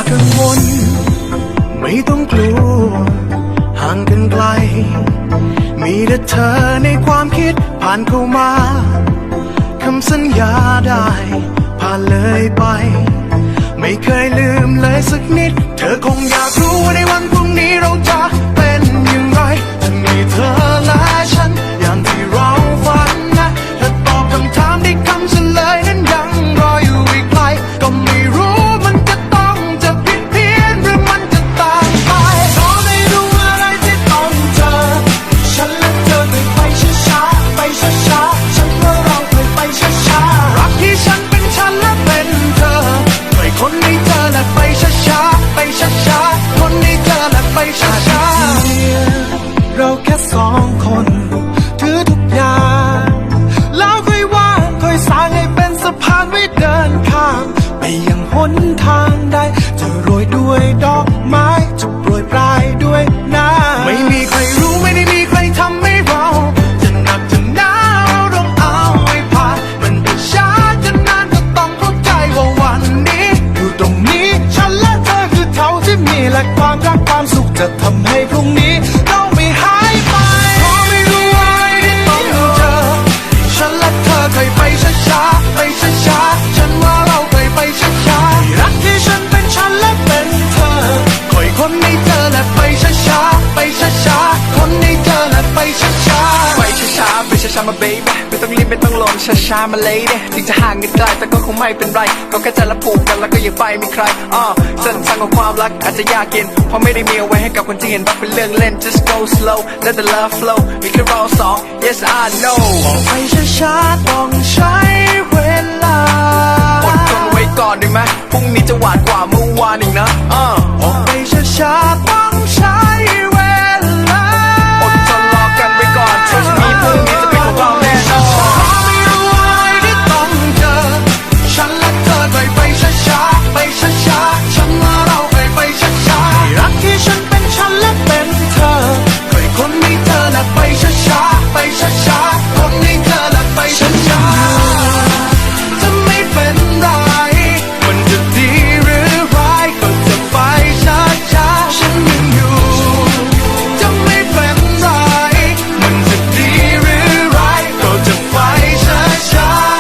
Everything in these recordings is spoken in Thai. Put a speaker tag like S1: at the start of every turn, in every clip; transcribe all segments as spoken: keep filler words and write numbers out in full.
S1: กังวลไม่ต้องกลัวห่างกันไกลมีแต่เธอในความคิดผ่านเข้ามาคำสัญญาได้ผ่านเลยไปไม่เคยลืมเลยสักนิดเธอคงอยากรู้ว่าในวันพรุ่งนี้เราจะเป็นอย่างไรจะมีเธอและฉันอย่างที่เราฝันนะถ้าตอบคำถามได้คำเฉลยนั้นยังรออยู่อีกไกลก็ไม่รู้มันจะต้องจะผิดเพี้ยนหรือมันจะต่างไปเพราะไม่รู้อะไรที่ต้องเจอฉันและเธอเคยไปช้าๆไปช้าๆฉันว่าเราเคยไปช้าๆรักที่ฉันเป็นฉันและเป็นเธอเคยคนนี้เธอและไปช้าๆไปช้าๆคนนี้เธอและไปช้าๆเราแค่สองคนถือทุกอย่างแล้วค่อยว่างค่อยสร้างให้เป็นสะพานไว้เดินข้ามไปยังหนทางใดจะโรยด้วยดอกไม้จะโปรยปลายด้วยน้ำไม่มีใครรู้ไม่ได้มีใครทำให้เราจะหนักจะหนาเราต้องเอาให้ผ่านมันจะช้าจะนานก็ต้องเข้าใจว่าวันนี้อยู่ตรงนี้ฉันและเธอคือเท่าที่มีและความรักความสุขจะทำให้พรุ่งนี้เราไม่หายไปเพราะไม่รู้อะไรที่ต้องเจอฉันและเธอเคยไปช้าๆไปช้าๆฉันว่าเราเคยไปช้าๆรักที่ฉันเป็นฉันและเป็นเธอคอยคนในเธอและไปช้าๆไปช้าๆคนในเธอและไปช้าๆ
S2: ไปช้าๆไปช้าๆมา baby ไม่ต้องรีบไม่ต้องลงช้าๆมาเลยเด้ถึงจะห่างกันไกลแต่ก็คงไม่เป็นไรก็แค่ใจละผูกกันแล้วก็ยังไปมีใครอ่าเส้นทางของความรักอาจจะยากเย็นเพราะไม่ได้มีเอาไว้ให้กับคนที่เห็นรักเป็นเรื่องเล่น just go slow let the love flow มีแค่เราสอง yes I know
S1: ไปช้าๆต้องใช้เวลา
S2: อดทนไว้ก่อนได้ไหมพรุ่งนี้จะหวานกว่าเมื่อวานอีกนะอ่า
S1: ออกไปช้าๆต้องใช้เวลา
S2: อดทนรอกันไว้ก่อน trust me พรุ่งนี้จะเป็นของเราแน่นอน
S1: ไม่รู้อะไรที่ต้องเจอฉันและเธอเคยไปช้าๆไปช้าๆฉันว่าเราเคยไปช้าๆรักที่ฉันเป็นฉันและเป็นเธอเคยคนนี้เธอและไปช้าๆไปช้าๆคนนี้เธอและไปช้าๆจะไม่เป็นไรมันจะดีหรือร้ายก็จะไปช้าๆฉันยังอยู่จะไม่เป็นไรมันจะดีหรือร้ายก็จะไปช้าๆ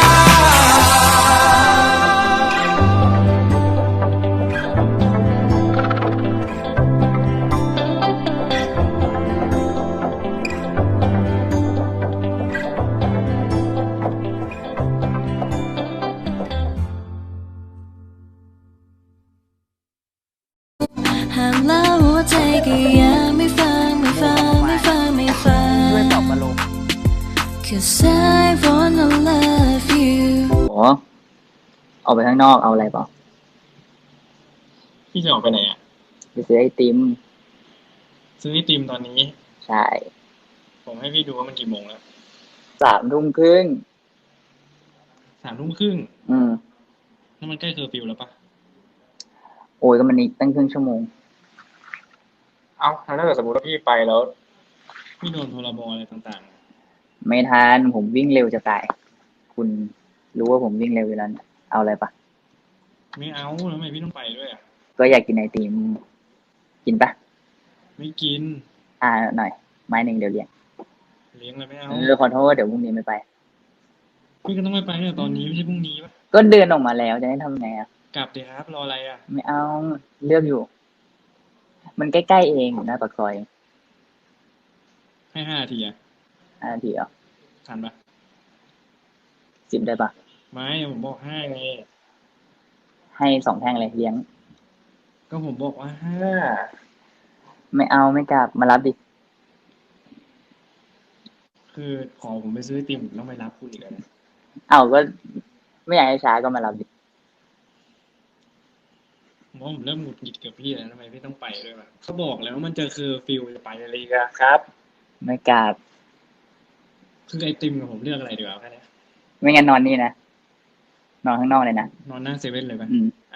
S3: ห้ามแล้วหัวใจก็ยังไม่ฟังไม่ฟังไม่ฟังไม่ฟัง
S4: ด้วยตอบมาลง
S3: Cause I wanna love you
S4: โอ้ออกไปข้างนอกเอาอะไรเปล่า
S5: พี่จะออกไปไหนอ่ะ
S4: ไปซื้อไอติม
S5: ซื้อไอติมตอนนี้
S4: ใช่
S5: ผมให้พี่ดูว่ามันกี่โมงแล้ว
S4: สามทุ่มครึ่ง
S5: สามทุ่มครึ่ง
S4: อืม
S5: นั่นมันใกล้เคอร์ฟิวแล้วปะ
S4: โอ้ยก็มันอีกตั้งครึ่งชั่วโมง
S5: เอ้าถ้าเกิดสมมติว่าพี่ไปแล้วพี่โดนพรบอะไรต่าง
S4: ๆไม่ทันผมวิ่งเร็วจะตายคุณรู้ว่าผมวิ่งเร็วอยู่แล้วเอาอะไรปะ
S5: ไม่เอาแล้วทำไมพี่ต้องไปด้วยอ่ะ
S4: ก็อยากกินไอติมกินปะ
S5: ไม่กิน
S4: อ่าหน่อยไม้หนึ่งเดี๋ยวเลี้ยง
S5: เลี้ยงเลยไม่เอา
S4: เออขอโทษเดี๋ยวพรุ่งนี้ไม่ไป
S5: พี่ก็ต้องไม่ไปเนี่ยตอนนี้ไม่ใช่พรุ่งนี้ปะ
S4: ก็เดินออกมาแล้วจะให้ทำไงอ่ะ
S5: กลับเดี๋ยวครับรออะไรอ่ะ
S4: ไม่เอาเลือกอยู่มันใกล้ๆเองอยู่หน้าปากซอย
S5: ให้ห้านาทีอ่ะ
S4: ห้านาทีเหรอ
S5: ทันปะ
S4: สิบได้ปะ
S5: ไม่ผมบอกห้าไง
S4: ให้สองแท่งเลยเลี้ยง
S5: ก็ผมบอกว่าห้า
S4: ไม่เอาไม่กลับมารับดิ
S5: คือขอผมไปซื้อไอติมผมต้องไปรับคุณอีกแล้ว
S4: เอาก็ไม่อยากให้ช้าก็มารับดิ
S5: ผมว่าผมเริ่มหงุดหงิดกับพี่แล้วทำไมพี่ต้องไปด้วยวะเขาบอกแล้วว่ามันจะคือฟิลจะไปอะไรกันครับ
S4: ไม่กลับ
S5: คือไอติมกับผมเลือกอะไรดีกว่าแค่นี้
S4: ไม่งั้นนอนนี่นะนอนข้างนอกเลยนะ
S5: นอนหน้าเซเว่นเลยป่ะ
S4: อืม